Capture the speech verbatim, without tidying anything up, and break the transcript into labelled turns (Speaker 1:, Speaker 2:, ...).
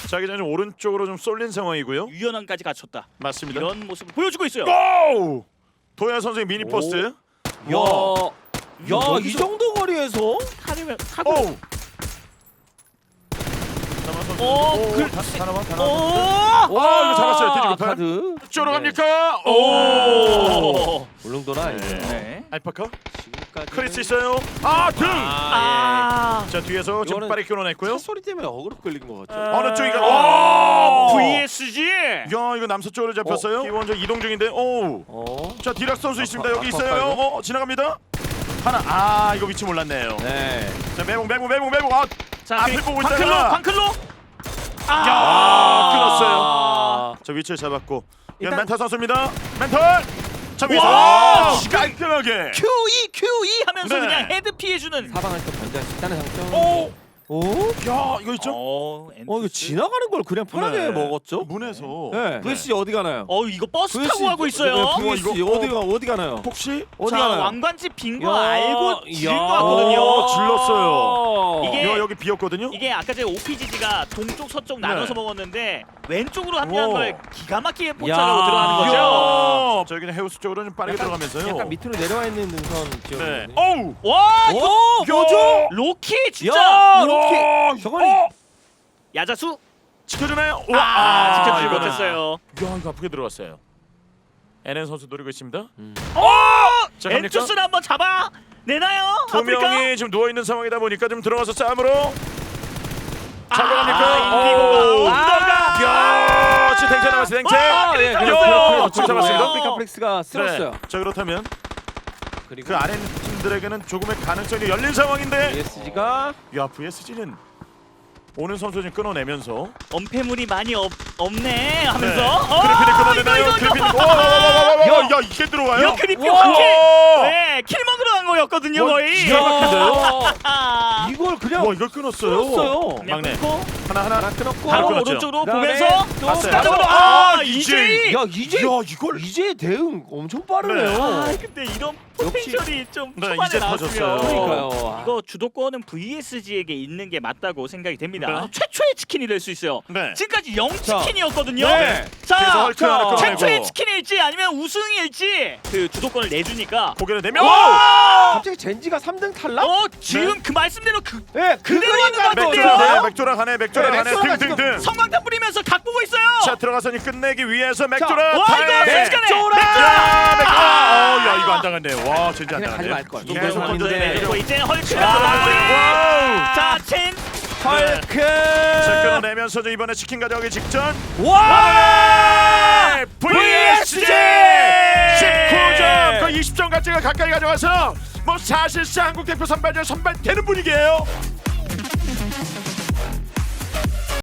Speaker 1: 자기 전에 오른쪽으로 좀 쏠린 상황이고요.
Speaker 2: 유연함까지 갖췄다.
Speaker 1: 맞습니다.
Speaker 2: 이런 모습을 보여주고 있어요.
Speaker 1: 고! 도현 선수의 미니 포스트.
Speaker 3: 야, 야, 이 정도 거리에서
Speaker 2: 타면 타고.
Speaker 1: 오!
Speaker 2: 오,
Speaker 1: 오,
Speaker 2: 그-
Speaker 1: 다- 하나만
Speaker 2: 오!
Speaker 1: 하나. 와, 이거 잡았어요. 뒤지고 판.
Speaker 3: 카드.
Speaker 1: 쪽으로
Speaker 3: 네.
Speaker 1: 갑니까? 오!
Speaker 2: 오!
Speaker 3: 울릉도나 이제
Speaker 2: 네.
Speaker 1: 알파카.
Speaker 3: 지금까지
Speaker 1: 크리스 있어요. 아, 등.
Speaker 2: 아.
Speaker 1: 자, 뒤에서 지금
Speaker 3: 이거는
Speaker 1: 빠르게 끊어냈고요.
Speaker 3: 차 소리 때문에 어그로 끌린 것 같죠.
Speaker 1: 어느 쪽이가?
Speaker 2: 와!
Speaker 1: 오!
Speaker 2: 브이에스지.
Speaker 1: 야, 이거 남서쪽으로 잡혔어요. 기원저 이동 중인데. 오!
Speaker 3: 어.
Speaker 1: 자, 디락 선수 있습니다.
Speaker 3: 아파,
Speaker 1: 여기
Speaker 3: 아파,
Speaker 1: 있어요.
Speaker 3: 아파,
Speaker 1: 어, 지나갑니다. 하나. 아, 이거 위치 몰랐네요.
Speaker 3: 네.
Speaker 1: 자, 매봉 매봉 매봉 매봉. 아,
Speaker 2: 자,
Speaker 1: 앞에
Speaker 2: 그리고
Speaker 1: 보고
Speaker 2: 광클로,
Speaker 1: 있다가.
Speaker 2: 광클로.
Speaker 1: 야,
Speaker 2: 아,
Speaker 1: 끊었어요.
Speaker 3: 아.
Speaker 1: 자, 위치를 잡았고. 이건
Speaker 3: 일단-
Speaker 1: 멘탈 선수입니다. 멘탈. 자, 위에서
Speaker 2: 와!
Speaker 1: 오! 깔끔하게.
Speaker 2: 큐이 큐이 하면서
Speaker 1: 네.
Speaker 2: 그냥 헤드 피해주는.
Speaker 3: 사방을 또 견제할 수 있다는 장점.
Speaker 1: 오!
Speaker 3: 오?
Speaker 1: 야, 이거 있죠?
Speaker 2: 어,
Speaker 3: 어, 이거 지나가는 걸 그냥 편하게
Speaker 1: 네.
Speaker 3: 먹었죠?
Speaker 1: 문에서.
Speaker 3: 네. 브이에스지 어디 가나요?
Speaker 2: 어, 이거 버스
Speaker 3: 브이에스지
Speaker 2: 타고 가고 있어요.
Speaker 3: 네, 브이에스지
Speaker 1: 이거-
Speaker 3: 어디 가 어디 가나요?
Speaker 1: 혹시
Speaker 3: 어디
Speaker 2: 자,
Speaker 3: 가나요?
Speaker 2: 왕관집 빈 거
Speaker 3: 야,
Speaker 2: 알고 지른
Speaker 3: 야.
Speaker 2: 거 같거든요.
Speaker 1: 오, 질렀어요.
Speaker 2: 이게-
Speaker 1: 야, 여기 비었거든요.
Speaker 2: 이게 아까 전에 오피지지가 동쪽 서쪽
Speaker 1: 네.
Speaker 2: 나눠서 먹었는데 왼쪽으로 합류한
Speaker 1: 오.
Speaker 2: 걸 기가 막히게
Speaker 3: 야.
Speaker 2: 포착하고 들어가는 거죠.
Speaker 1: 야. 자, 여기는 해우스 쪽으로 좀 빠르게
Speaker 3: 약간-
Speaker 1: 들어가면서요.
Speaker 3: 약간 밑으로 내려와 있는 능선
Speaker 1: 네.
Speaker 3: 지역이거든요.
Speaker 1: 어우.
Speaker 2: 와, 이거
Speaker 3: 오, 뭐죠?
Speaker 2: 로키 진짜
Speaker 3: 야,
Speaker 1: 와,
Speaker 3: 로키. 저거는
Speaker 1: 어?
Speaker 2: 야자수
Speaker 1: 지켜주나요?
Speaker 2: 아,
Speaker 1: 아,
Speaker 2: 지켜주지
Speaker 1: 이거는-
Speaker 2: 못했어요.
Speaker 1: 야, 이거 아프게 들어갔어요. 에렌 선수 노리고 있습니다.
Speaker 3: 음.
Speaker 2: 어!
Speaker 1: 자, 갑니까?
Speaker 2: 엔투스를 한번 잡아 내나요?
Speaker 1: 두
Speaker 2: 아프리카?
Speaker 1: 명이 지금 누워 있는 상황이다 보니까 좀 들어가서 싸움으로 잡으러
Speaker 2: 아,
Speaker 1: 갑니까?
Speaker 2: 인디고가
Speaker 1: 오.
Speaker 2: 언더가
Speaker 1: 야, 지금 댕체 나왔어요. 댕체.
Speaker 2: 아,
Speaker 3: 예,
Speaker 1: 야,
Speaker 3: 그래서 그래서
Speaker 1: 좀 잡았습니다.
Speaker 3: 아프리카 플렉스가 쓸었어요.
Speaker 1: 네. 자, 그렇다면
Speaker 3: 그리고
Speaker 1: 그 아래 팀들에게는 조금의 가능성이 열린 상황인데.
Speaker 3: 브이에스지가
Speaker 1: 야, 브이에스지는 오는 선수 좀 끊어내면서
Speaker 2: 엄폐물이 많이 없, 없네 하면서
Speaker 1: 네.
Speaker 2: 어,
Speaker 1: 그래피니 끊어내나요?
Speaker 2: 이거, 이거,
Speaker 1: 그래피니.
Speaker 2: 이거.
Speaker 1: 와, 와, 와, 와, 와,
Speaker 3: 야.
Speaker 1: 야, 이게 들어와요?
Speaker 2: 야, 크리피
Speaker 3: 와.
Speaker 2: 한킬
Speaker 1: 와.
Speaker 2: 네, 킬 먹으러 간 거였거든요
Speaker 1: 와,
Speaker 2: 거의
Speaker 1: 기가 막힌데요?
Speaker 2: 아,
Speaker 3: 이걸 그냥
Speaker 1: 와, 이걸 끊었어요.
Speaker 3: 끊었어요.
Speaker 2: 그냥
Speaker 1: 막내.
Speaker 2: 끊고
Speaker 1: 하나 하나.
Speaker 3: 하나 끊었고
Speaker 1: 바로
Speaker 2: 바로
Speaker 1: 끊었죠.
Speaker 2: 오른쪽으로
Speaker 3: 그다음에
Speaker 2: 보면서
Speaker 3: 또
Speaker 1: 봤어요.
Speaker 2: 따져보러
Speaker 1: 아,
Speaker 2: 아,
Speaker 1: 이제.
Speaker 2: 이제
Speaker 3: 야 이제
Speaker 1: 야, 이걸
Speaker 3: 이제 대응 엄청 빠르네요.
Speaker 2: 아, 근데 이런 포텐셜이 좀
Speaker 1: 네,
Speaker 2: 초반에
Speaker 1: 이제
Speaker 2: 나왔으면
Speaker 1: 터졌어요.
Speaker 3: 그러니까요.
Speaker 2: 이거 주도권은 브이에스지에게 있는 게 맞다고 생각이 됩니다.
Speaker 1: 네.
Speaker 2: 최초의 치킨이 될 수 있어요.
Speaker 1: 네.
Speaker 2: 지금까지 영
Speaker 3: 자.
Speaker 2: 치킨이었거든요.
Speaker 3: 네.
Speaker 1: 그래서
Speaker 2: 자,
Speaker 1: 헐크 하나 끊어내고.
Speaker 2: 최초의 치킨일지 아니면 우승일지 그 주도권을 내주니까.
Speaker 1: 고개를 내면
Speaker 2: 와!
Speaker 3: 갑자기 젠지가 삼 등 탈락?
Speaker 2: 어, 지금 그 말씀대로 그
Speaker 3: 네,
Speaker 2: 그대로 하는 것 같은데요?
Speaker 1: 맥주라 맥주라 가네 맥주라
Speaker 3: 네,
Speaker 1: 가네
Speaker 3: 맥주라가
Speaker 1: 등등등.
Speaker 2: 성광탄 뿌리면서 각 보고 있어요.
Speaker 1: 자, 들어가서니 끝내기 위해서 맥주라
Speaker 2: 와,
Speaker 1: 타임.
Speaker 2: 이거
Speaker 1: 네.
Speaker 2: 순식간에
Speaker 1: 야, 맥주라.
Speaker 2: 아!
Speaker 1: 어, 야, 이거 안 당했네요. 와, 진짜 안
Speaker 3: 그냥 가지
Speaker 1: 당했네.
Speaker 3: 말걸.
Speaker 1: 계속
Speaker 3: 계속
Speaker 1: 던져내네.
Speaker 3: 하는데.
Speaker 2: 그리고 이제 헐크가
Speaker 1: 아,
Speaker 2: 또 마무리.
Speaker 1: 와우.
Speaker 2: 자, 첸.
Speaker 3: 헐크.
Speaker 1: 자, 끊어내면서 저 이번에 치킨 가져가기 직전.
Speaker 3: 와!
Speaker 1: 네, 브이에스지 십구 점 거의 이십 점 가치가 가까이 가져와서 뭐 사실상 한국 대표 선발전 선발되는 분위기예요.